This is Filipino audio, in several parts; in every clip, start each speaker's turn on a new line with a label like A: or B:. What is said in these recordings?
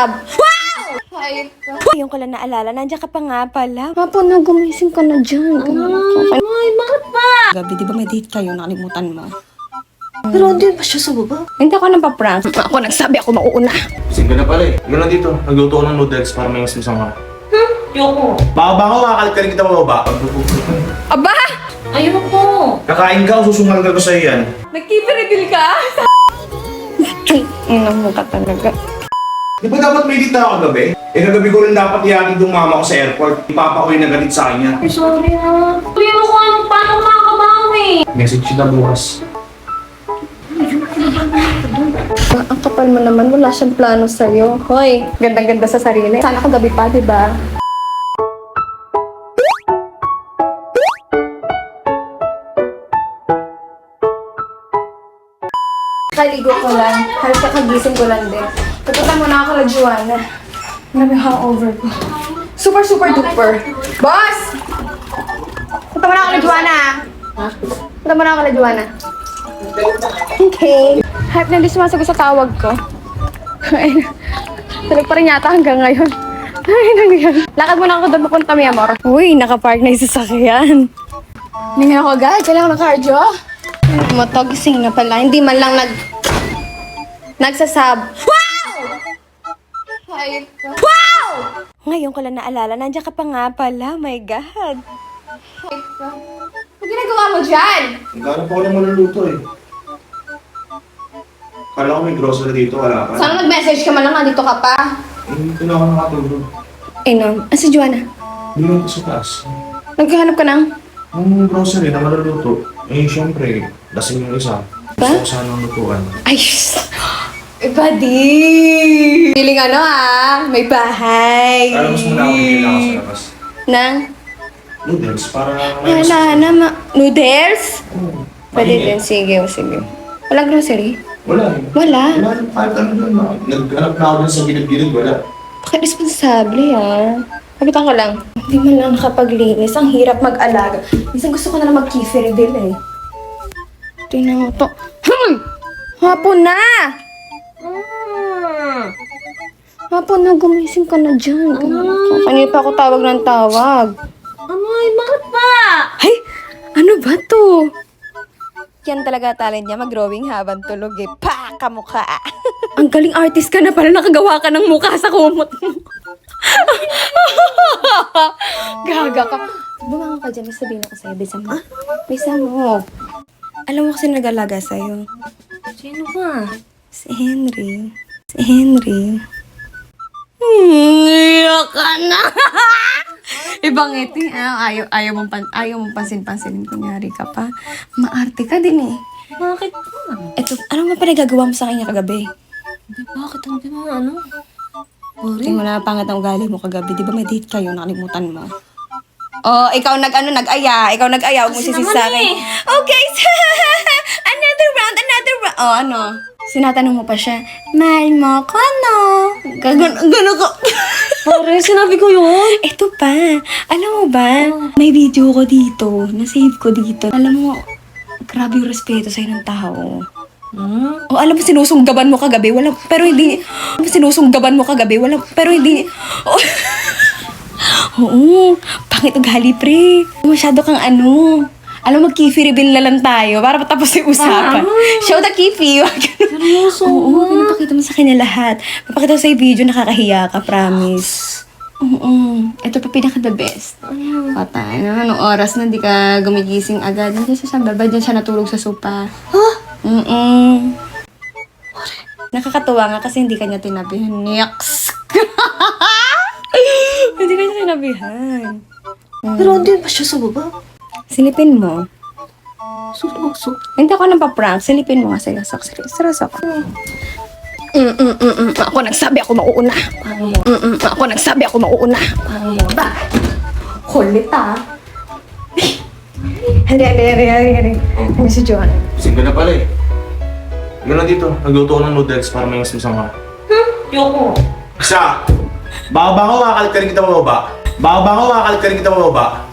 A: nagsasab. Wow! Ay, yung ko lang naalala, nandiyan ka pa nga pala. Hapon na, gumising ka na dyan.
B: Ay, bakit ba?
A: Gabi, di ba may date kayo? Nakalimutan mo.
B: Pero hindi ba siya sa baba?
A: Hindi ako nang pa-prank. Ako nagsabi ako mauuna.
C: Gising ka na pala eh. Ikaw na dito. Nagluto ko ng noodles para may masmasang ka.
B: Yoko.
C: Baka makakalit ka rin kita mababa.
A: Aba!
B: Ayoko.
C: Kakain ka o susungal ka ko sa'yo yan.
A: Nag-keep-reveal ka? Ino mo ka talaga.
C: Di ba dapat may dito ako gabi? Eh kagabi ko rin dapat ihatid yung mama ko sa airport. Ipapauwi na galit sa akin yan.
B: Ay, sorry ha. Hindi mo ko anong paano makakabawi.
C: Message kita bukas.
A: Ang kapal mo naman, wala siyang plano sa'yo. Hoy, gandang-ganda sa sarili. Sana kagabi pa, di ba? Kaligo ko lang. Halos kakagising ko lang din. Pupunta muna ako kala Joanna. Grabe yung hangover ko. Super duper. Boss! Punta muna ako kala Joanna. Punta muna ako kala Joanna. Okay. Hype na hindi sumasagot sa tawag ko. Tulog pa rin yata hanggang ngayon. Ay, nangyayari. Lakad muna ako doon papunta, mi amor. Uy, nakapark na yung sasakyan. Hindi nga ako agad. Kailangan ng cardio. Matogising na pala. Hindi man lang nagsasab. Wow! Ay, wow! Ngayon ko lang naalala. Nandiyan ka pa nga pala. My God. Ano ginagawa mo dyan?
C: Naghanap ako ng maluluto eh. Kala ko may grocery dito, wala ka.
A: Sana nag-message ka man lang. Nandito ka pa.
C: Hindi ko na ako nakatulog.
A: Si Joanna?
C: Hindi ko sa taas.
A: Naghahanap ka ng?
C: Yung grocery na maluluto, eh syempre, lasing yung isa.
A: Ba?
C: Gusto ko sanang lutuan.
A: Ay, iba di. Feeling may bahay.
C: Kala mas muna ako kailangan sa labas.
A: Nang?
C: Noodles, para may
A: Wala na, noodles?
C: Oo.
A: Pwede
C: Mainit.
A: din, sige. Walang grocery?
C: Wala eh.
A: Wala?
C: Wala, kahit ano doon. Naghanap na ako dun sa gilid-gilid, wala.
A: Pakiresponsable Kapitan ko lang. Hindi man lang nakapaglinis. Ang hirap mag-alaga. Minsan gusto ko na lang mag-kefir din Tingnan mo to. Hapon na! Hapon na, gumising ka na dyan. Kanina pa ako tawag ng tawag.
B: Amoy, bakit ba?
A: Ay! Ano ba to? Yan talaga talent niya, mag-drawing habang tulog Pa! Kamukha! Ang galing artist ka na pala, nakagawa ka ng mukha sa kumot mo. Gaga ka. Bumangon ka dyan, sabihin ako sa'yo. Bisa mo. Alam mo kasi nag-alaga sa'yo.
B: Sino ba?
A: Si Henry. Iyak ka na! Ibang ngiti, ayaw mong pansin-pansinin, kunyari ka pa. Maarte ka din
B: Bakit ba?
A: Eto, ano nga pa nagagawa mo sa kanya kagabi?
B: Bakit hindi mo ano?
A: Tingin mo na pangat ang ugali mo kagabi. Di ba may date kayo? Nakalimutan mo. Oh, ikaw nag-aya. Ikaw nag-aya. Huwag mo
B: Kasi
A: sisi
B: naman
A: sa akin. Okay, another round. Oh, ano? Sinatanong mo pa siya, mahal mo ko, no? Gano'n ko.
B: Pare, sinabi ko yun.
A: Ito pa. Alam mo ba, may video ko dito. Na-save ko dito. Alam mo, grabe yung respeto sa'yo ng tao. O alam mo, sinusunggaban mo kagabi, pero hindi. Oo, pangit ugali, pre. Masyado kang Alam mo, kifi reveal na lang tayo para matapos yung usapan. Show the kifi.
B: Seryoso?
A: Oo, pinapakita mo sa kanya lahat. Papakita ko sa'yo video, nakakahiya ka, promise. Oo, ito pa pinaka-the best. Patay na, anong oras na, di ka gumigising agad. Nandiyan siya sa baba, dyan siya natulog sa sopa. Nakakatuwa nga kasi hindi kanya tinabihan. Yaks! Hindi kanya tinabihan.
B: Pero hindi ba siya sa baba?
A: Silipin mo.
B: Seryoso?
A: Hindi ako nang pa-prank. Silipin mo nga sa sarasok. Ako nagsabi ako mauuna. Ba? Kulit Hari. Ano si Joanna?
C: Gising ka na pala eh. Ikaw na dito. Nagluto ko ng noodles para may masmasang ka.
B: Yoko.
C: Isa! Baka makakalit ka rin kita mababa.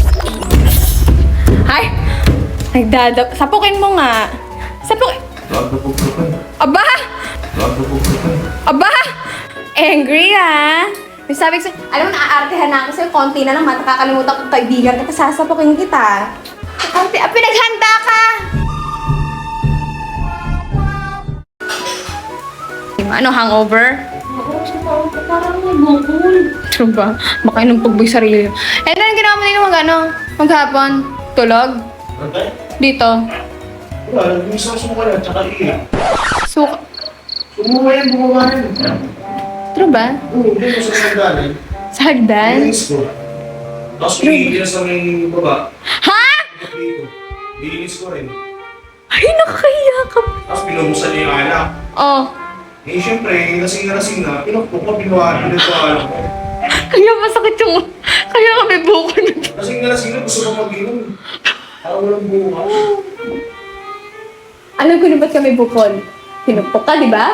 A: Ay! Sapukin mo nga.
C: Wag na pagpukan.
A: Aba! Angry, ha? May sabi ko sa'yo, alam mo, naaartehan na ako sa'yo. Konti na naman, nakakalimutan ko kaibigan kita. Sasapukin kita. Arte, pinaghanda ka! Ano, hangover?
B: Parang may bukol.
A: True ba? Baka inumpog yung sarili mo. Eh, ano ginawa mo nito maghapon? Tulog?
C: Okay?
A: Dito?
C: Wala, gusto ko sumuka yan, tsaka iiyak.
A: Suka.
C: Sumuka yan, bumaba yan.
A: True ba?
C: Oo, hindi ko sa mga galing.
A: Sa hagdan?
C: Linis ko. Tapos iiyak sa may baba.
A: Ha?
C: Dito. Linis ko rin.
A: Ay, nakakahiya ka.
C: Tapos pinubusan niya yung alak.
A: Oh.
C: Eh, syempre, lasing na, pinukpok ko, pinuhaan ko alam ko.
A: Kaya masakit yung... Kaya kami bukol na.
C: Lasing na, gusto ko mag-inom. Parang walang buka.
A: Alam ko na ba't kami bukol? Pinupok ka, di ba?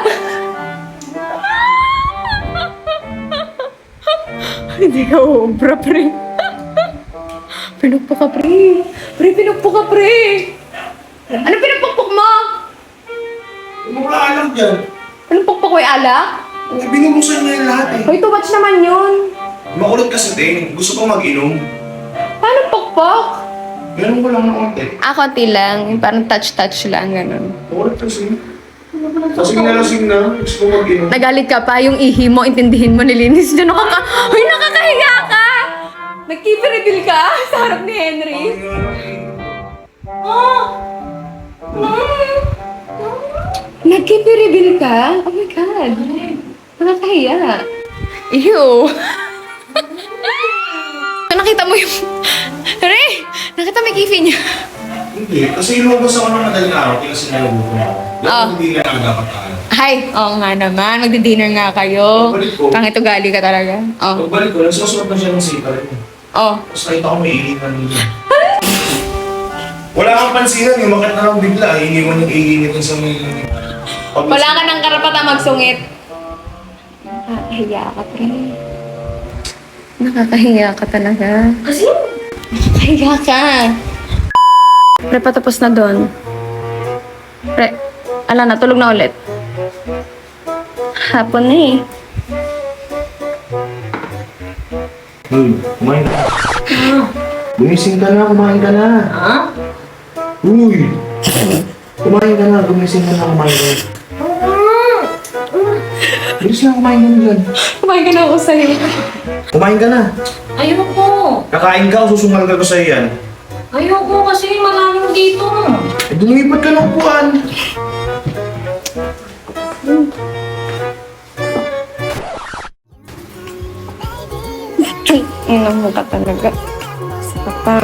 A: Hindi ka ubra, pre. Pinupok ka, pre. Pre, pinupok ka, pre. Ano pinupok mo?
C: Ano wala alam dyan?
A: Anong pukpok ko yung alak?
C: Eh, binubusan niya yung lahat eh.
A: Hoy, too much naman yun.
C: Makulot kasi din, gusto ko mag-inom.
A: Paano pukpok?
C: Ganun ko lang ng konti.
A: Konti lang. Yung parang touch-touch lang, ganun.
C: Makulot kasi. Lasing na, gusto ko mag-inom.
A: Nagalit ka pa, yung ihi mo, intindihin mo, nilinis dyan. Hoy, nakakahiya ka! Nag-keep-reveal ka sa harap ni Henry. Nag-keep-reveal ka? Oh my God. Nakakahiya. Ew. Nakita mo yung... Ray! Nakita mo yung kifi niya.
C: Hindi, kasi ilubos ako ng madaling araw, kaya sinalubuto ako. Dapat hindi ka na dapat tayo.
A: Ay, oo nga naman. Magdi-dinner nga kayo.
C: Pagbalik ko.
A: Pangit ugali ka talaga. Oh.
C: Pagbalik ko, nagsusuot na siya ng sita rin.
A: Oh.
C: Tapos nakita ko may iingan niya. Wala kang pansinan, yung makit na lang bigla, iniwan yung iinit sa may...
A: Wala ka ng karapatang magsungit. Nakakahiya ka, pre. Nakakahiya ka talaga.
B: Kasi,
A: Nakakahiya ka. Pre, patapos na doon. Pre, ala na, tulog na ulit. Hapon na eh.
C: Kumain ka. Gumising ka na, kumain ka na.
B: ha?
C: Uy! Kumain ka na, gumising ka na, kumain ka na. Bilis na, kumain ka na dyan.
A: Kumain ka na ako sa'yo.
C: Kumain ka na.
B: Ayoko.
C: Kakain ka o susungal ka ko sa'yo yan.
B: Ayoko kasi maraming dito.
C: Eh, dumipat ka ng upuan.
A: Inom mo ka talaga. Sa pa.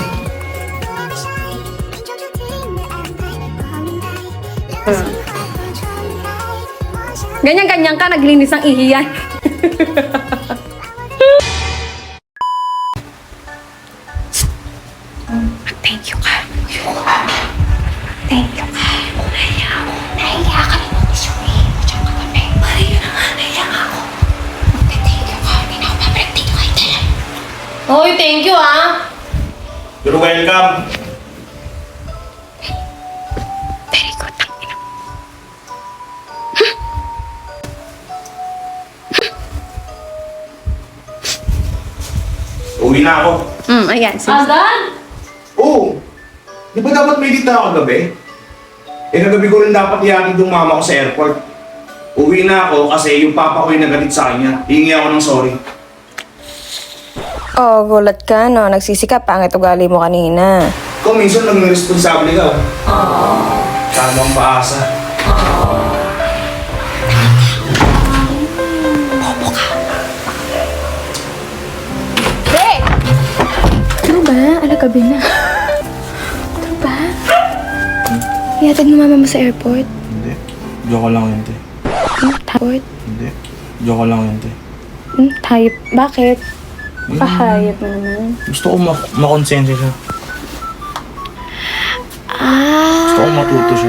A: Ganyan-ganyan ka, naglinis ng ihiyan. Thank you ka. Thank you ka. Nahiya ka rin ng isuwi. Diyan ka kami. Nahiya nga ako. Thank you ka. Hindi na ako pabalik dito kay Tel.
B: Hoy, thank you ah.
C: You're welcome.
A: Very good.
C: Uwi na ako.
A: Ayan.
B: Agad?
C: Oo. Di ba dapat may dita ako kagabi? Eh, kagabi ko rin dapat ihatid yung mama ko sa airport. Uwi na ako kasi yung papa ko yung nagalit sa kanya. Hingi ako ng sorry.
A: Oh, gulat ka, no? Nagsisikap. Pangit ugali mo kanina.
C: Ikaw minsan naging responsable ka. Kano ang paasa.
A: Hey! Ano ba? Alagabi na. Ano ba? Ihatid mo mama mo sa airport?
D: Hindi. Joke lang yun, te.
A: Airport?
D: Hindi. Joke lang yun, te.
A: Hayop. Bakit? Pahayop mo naman.
D: Gusto ko makonsensya siya. Gusto ko matuto siya.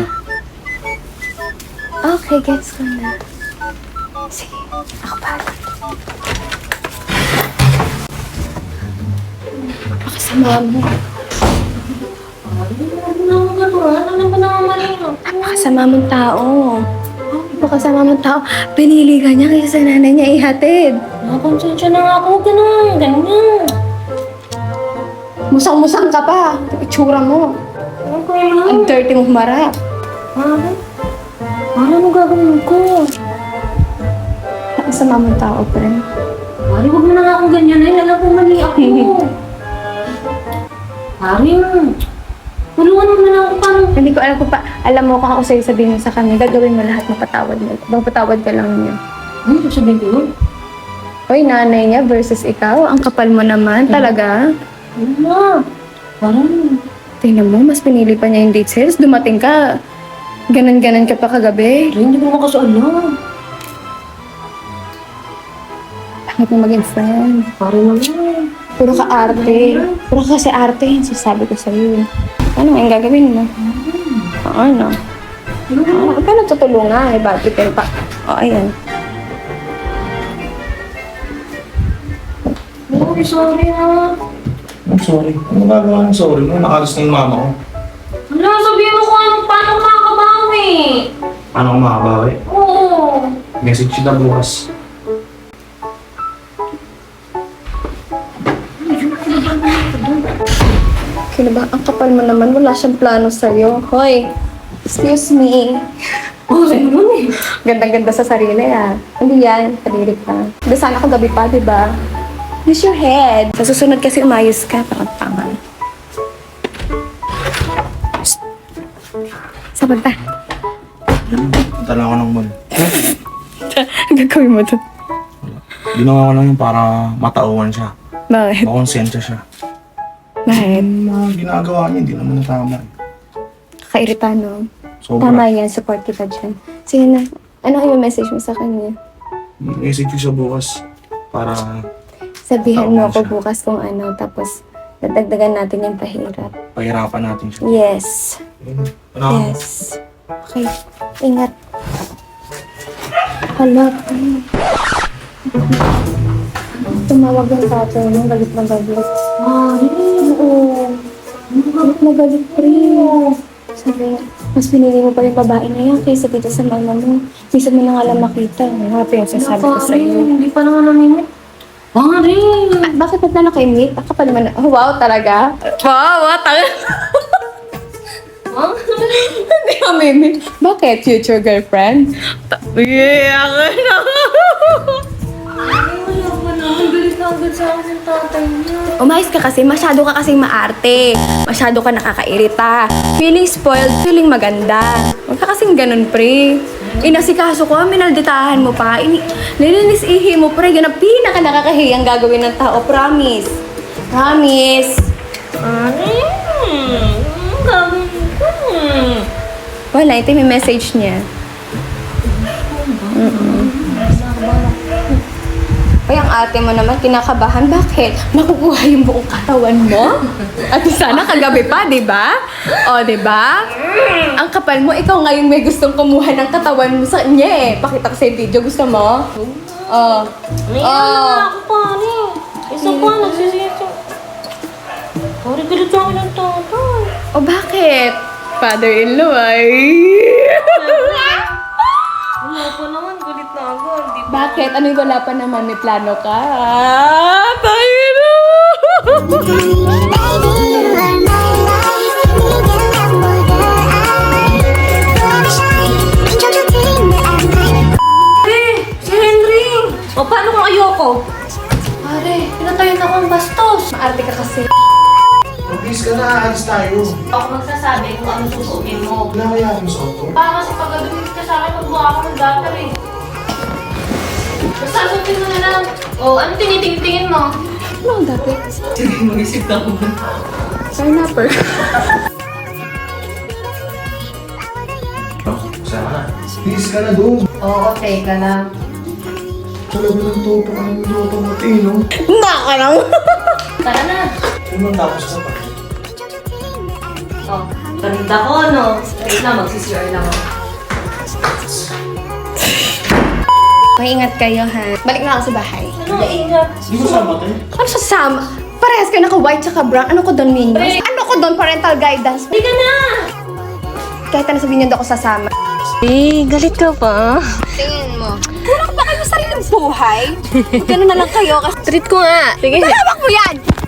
A: Okay, gets ko na. Sige, ako pa. Pakasama mo.
B: Ano ba naman mali?
A: Napakasama mong tao. mo kasama mo tao, pinili ka niya kaysa sa nanay niya ihatid.
B: Nakakonsensya na nga ako. Ganun, ganyan.
A: Musang-musang ka pa. Itsura mo.
B: Okay lang.
A: Ang dirty mong marap.
B: Mare, ano gagawin ko?
A: Nakasama mong tao, friend.
B: Mare, huwag mo na nga akong ganyan. Ay, alam ko mali ako. Mare, tulungan mo na lang ako paano.
A: Hindi ko alam kung pa, alam mo kung ako sa'yo sabihin mo sa kanya, gagawin mo lahat, mapatawad mo. Mapatawad ka lang niya.
B: Ano sasabihin ko yun?
A: Hoy, nanay niya versus ikaw, ang kapal mo naman, talaga.
B: Ano na? Parang,
A: Tingnan mo, mas pinili pa niya yung date sales. Dumating ka, ganan-ganan ka pa kagabi.
B: Mare, hindi ko naman kasi alam.
A: Bakit mo maging friend?
B: Mare naman.
A: Puro ka arte. Puro ka kasi arte, yung sasabi ko sa'yo. Ano ang gagawin mo? Ano? Huwag ka natutulungan, eh, bakit pa? O, ayan.
B: Mare, sorry ha.
C: I'm sorry. Ano gagawa ng sorry mo? Nakalis na yung mama ko.
B: Wala, sabihin mo kung paano makakabawi.
C: Paano ko makabawi?
B: Oo.
C: Message kita bukas.
A: Kaya ba, ang kapal mo naman, wala siyang plano sa'yo. Hoy, excuse me.
B: Oh, sa'yo naman eh.
A: Gandang-ganda sa sarili, ah. Hindi yan, kadiri ka. Hindi sana kagabi pa, di ba? Use your head. Sa susunod kasi umayos ka, tangan. Saan punta?
D: Punta lang ako ng mall.
A: Gagawin mo to.
D: Ginawa ko lang yun para matauhan siya.
A: Bakit?
D: Makonsensya siya.
A: Bakit?
D: Yung mga ginagawa niya, hindi naman natama.
A: Kakairita, no?
D: Sobra.
A: Tama yan, support kita dyan. Sige na, ano yung message mo sa kanya?
D: Message ko siya bukas para
A: Sabihan mo
D: Tama
A: ako
D: siya.
A: bukas kung ano, tapos dadagdagan natin yung pahirap.
D: pahirapan natin siya.
A: Yes.
D: Ano?
A: Yes. Okay. Ingat. Hala. Tumawag yung tatay mo. Galit na galit.
B: Mare,
A: Oo. Galit na galit, pre. Sabi, mas pinili mo pa yung babae na yan kaysa dito sa mama mo. Minsan mo na nga lang makita. Happy yung sasabi ko sa iyo.
B: Hindi pa naman namimit. Mare!
A: Ah, bakit ba't na nakaimit? Ako pa naman. Oh, wow, talaga? Wow, talaga. Hindi kami imit. Bakit? Future girlfriend? Yeah, ako na.
B: Ay, wala pa naman. Galit na agad sa akin yung tatay niya.
A: Umayos ka kasi, masyado ka kasing maarte. Masyado ka nakakairita. Feeling spoiled, feeling maganda. Huwag ka kasing ganun, pre. Inasikaso ko, minalditahan mo pa. Nilinis-ihi mo, pre. Yan ang pinaka nakakahiyang gagawin ng tao. Promise. Promise.
B: Mare, gagawin ko.
A: Wala, ito may message niya. Ay, ang ate mo naman, kinakabahan. Bakit? Makukuha yung buong katawan mo? At sana kagabi pa, di ba? O, di ba? Ang kapal mo, ikaw ngayon may gustong kumuha ng katawan mo sa kanya eh. Pakita ko sa video. Gusto mo? Oh.
B: May ano na ako, pare. Isa pa, nagsisito. Pare, galit sa akin ng tatay.
A: O, bakit? Father-in-law ay...
B: Wala pa naman, galit na ako. Di ba?
A: Bakit? Ano yung wala pa naman? May plano ka? Tayo na!
B: Si Henry! O, paano kung ayoko? Pare, pinatayin ako ang bastos.
A: Maarte ka kasi.
C: Please ka na, alis tayo.
B: Ako magsasabi kung ano susuotin mo.
C: Wala kaya akong suot to?
B: Baka kasi pagkadumit ka sa akin, magmukha ako ng datar eh. Basta suotin mo na lang. O, ano tinitingin mo?
A: Ano ang dati?
B: Mag-isip na ako.
A: Pineapple.
C: Sana na. Please ka na doon.
B: Oo, teka lang.
C: Talaga ng toto ka ng toto mo, no?
A: Baka lang.
B: Tara na.
C: Ano man tapos ka pa?
B: O, ganda ko, no? Wait lang, magsisure lang ako.
A: Maingat kayo, ha? Balik na ako sa bahay.
B: Ano, ingat.
C: Di mo sama tayo?
A: Ano sa Sam? Parehas kayo naka-white tsaka brown. Ano ko doon, Minyo? Ano ko doon, parental guidance?
B: Hindi ka na!
A: Kahit ano sabihin niyo, hindi ako sasama.
B: Eh, galit ka pa.
A: Tingin mo. Kulang ba kayo sa sariling buhay? Magkano na lang kayo kasi
B: Treat ko nga. Sige.
A: tawag mo yan!